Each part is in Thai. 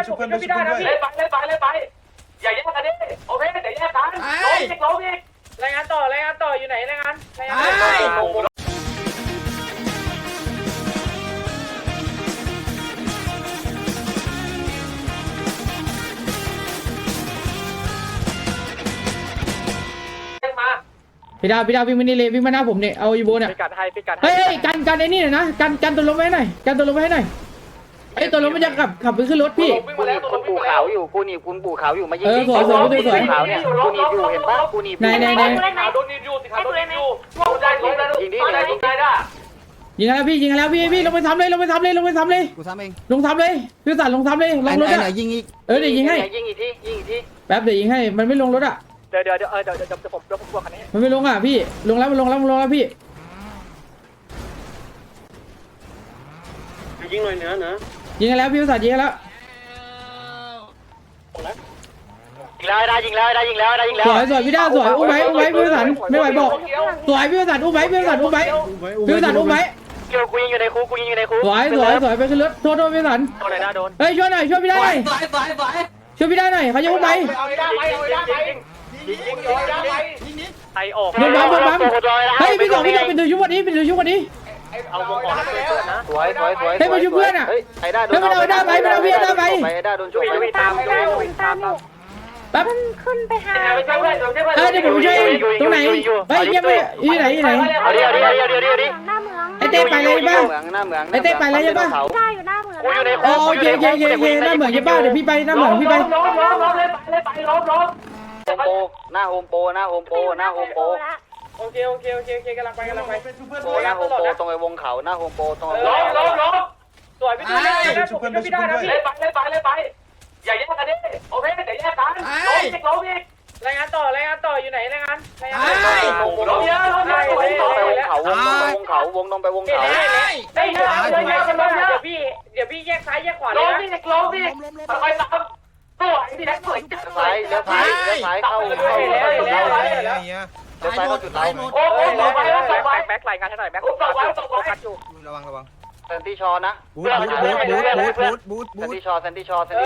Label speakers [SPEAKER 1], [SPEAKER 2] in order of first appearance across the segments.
[SPEAKER 1] ชุบเพื่อนด้วยไปอย่าแยกกันดิโอเคเดี๋ยวแยกกันลงอีกรายงานต่ออยู่ไหนรายงาน
[SPEAKER 2] พี่ดาววิ่งมานี่เลยวิ่งมาหน้าผมเนี่ยเอาอีโบเนี่ยเฮ้ยกันไอ้นี่หน่อยนะกันตัวลมไว้หน่อยไอ้ตัวลมมันจะขับไปขึ้นรถพี่
[SPEAKER 3] คุณปู่ขาวอยู่กูหนีคุณปู่ขาวอยู่มายิง
[SPEAKER 2] สวยขาว
[SPEAKER 3] เนี่ยกูหนีอยู่เห็นปะกูหนี
[SPEAKER 2] ไหน
[SPEAKER 1] โดนนิดอยู่สิครับโดนนิดอยู่ยิงดิ
[SPEAKER 2] ยิงแล้วพี่ลงไปทำเลย
[SPEAKER 4] กูซ้ำเอง
[SPEAKER 2] ลงทำเลยพี่สันลงทำเลยลงรถอ่ะ
[SPEAKER 4] ยิงอีก
[SPEAKER 2] เดี๋ยวยิงให้
[SPEAKER 3] ยิงอีกที
[SPEAKER 2] แป๊บเดี๋ยวยิงให้มันไม่ลงรถอ่ะ
[SPEAKER 3] เดี๋ยวผมบวกคันนี้
[SPEAKER 2] มันไม่ลงอ่ะพี่ลงแล้วพี่
[SPEAKER 1] ยิงหน่อยเนื้อ
[SPEAKER 2] ยิงแล้วพี่สันยิงแล้วสวยพี่ด้าสวยอุ้มไว้พี่สันไม่ไหวบอกสวยพี่สันอุ้มไว้พี่สันอุ้มไว้
[SPEAKER 3] เกี่ยวกูยิงอยู่ในคุก
[SPEAKER 2] สวยไปขึ้นรถโทษพี่สันเฮ้ยช่วยหน่อยช่วยพี่ได้หน่อยช่วยพี่ได้หน่อยเขาจะอุ้มไป
[SPEAKER 3] ไอออก
[SPEAKER 2] โดนบัมเฮ้ยพี่สองเป็นตัวชุบวันนี้
[SPEAKER 3] เอาวงออกนะสวย
[SPEAKER 2] ให้มาชุบเพื่อนอ่ะ
[SPEAKER 3] ไอ้ด้าโดน
[SPEAKER 2] ไม่เอาด้าไปไ
[SPEAKER 3] อ้ด้าโดนชุบไปตาม
[SPEAKER 2] แป๊บ
[SPEAKER 5] ขึ้นไปหา
[SPEAKER 2] เดี๋ยวผมช่วยตรงไหนเฮ้ยยังไม่ที่ไหน
[SPEAKER 3] เอาดิ
[SPEAKER 5] หน้าเมือง
[SPEAKER 2] ไอเต้ไปเลยป่ะ
[SPEAKER 3] หน้าเมือง
[SPEAKER 2] ไอเต้ไปเลยป่ะ
[SPEAKER 5] ได้อยู่หน้าเมือง
[SPEAKER 3] กูอยู่ใน
[SPEAKER 2] โอเคหน้าเหมือนยังป่ะเดี๋ยวพี่ไปหน้าเหมือนพี่ไป
[SPEAKER 1] ล้ม
[SPEAKER 3] หน้าโฮมโป
[SPEAKER 1] โอเคกำลังไป
[SPEAKER 3] หน้าโฮมโปตรงไอ้วงเขาหน้าโฮมโปตรง
[SPEAKER 1] ล้มสวยพี่ดูพี่ได้นะพี่ไปอย่าแยกกันดิโอเคเดี๋ยวแยกกันลงอีกรายงานต่ออยู่ไหนรายงานลงเยอะ
[SPEAKER 3] วงเขาวงตรงไปวงเขา
[SPEAKER 1] ได้เยอะเดี๋ยวพี่แยกซ้ายแยกขวาเลยนะลงดิค่อยๆตามตัวที่แท็กสวยจังเลย
[SPEAKER 3] เลี้ยวซ้ายเข้าจุดเรา
[SPEAKER 1] โอ้ไป
[SPEAKER 3] แบ็คไหลงานให้หน่อยแบ็คคัดอยู่
[SPEAKER 4] ระวัง
[SPEAKER 3] เซนตี้ชอนะ
[SPEAKER 4] บูท
[SPEAKER 3] เซนตี้ชอลี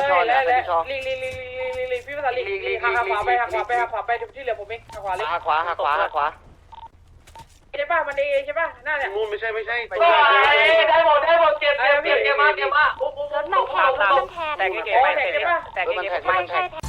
[SPEAKER 1] พี่ภาษาลีหักขวาไปที่เหลือผมเองหักขวาเลย
[SPEAKER 3] หักขวา
[SPEAKER 1] ใช่ป่ะมันดีใช่ป่ะน่าเนี่ย
[SPEAKER 3] มูนไม่ใช่
[SPEAKER 1] ได้หมดเก็บมา
[SPEAKER 5] รถมันแทนมันแทน
[SPEAKER 3] แต่งเก๋ไป
[SPEAKER 5] ไม่ใช่แท